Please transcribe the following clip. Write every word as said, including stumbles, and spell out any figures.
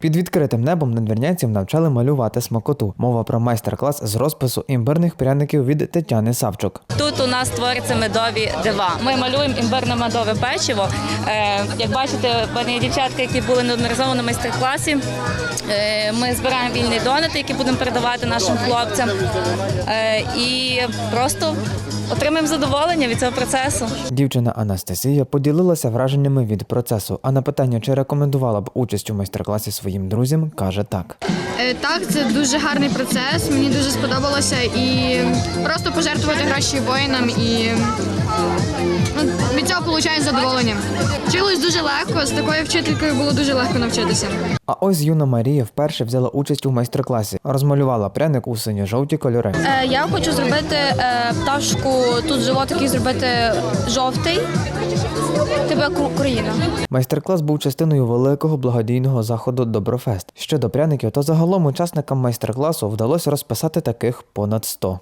Під відкритим небом надвірнянців навчали малювати смакоту. Мова про майстер-клас з розпису імбирних пряників від Тетяни Савчук. Тут у нас творяться медові дива. Ми малюємо імбирно-медове печиво. Е, як бачите, в мене є дівчатки, які були неодноразово на майстер-класі. Е, ми збираємо вільні донати, які будемо передавати нашим хлопцям. Е, і просто отримаємо задоволення від цього процесу. Дівчина Анастасія поділилася враженнями від процесу, а на питання, чи рекомендувала б участь у майстер-класі своїм друзям, каже так. Е, Так, це дуже гарний процес, мені дуже сподобалося і просто пожертвувати гроші воїнам і ну, від цього отримують задоволення. Вчилось дуже легко, з такою вчителькою було дуже легко навчитися. А ось юна Марія вперше взяла участь у майстер-класі. Розмалювала пряник у синьо-жовті кольори. Е, Я хочу зробити е, пташку, тут животик і зробити жовтий, типу як Україна. Майстер-клас був частиною великого благодійного заходу «Доброфест». Щодо пряників, то загалом учасникам майстер-класу вдалося розписати таких понад сто.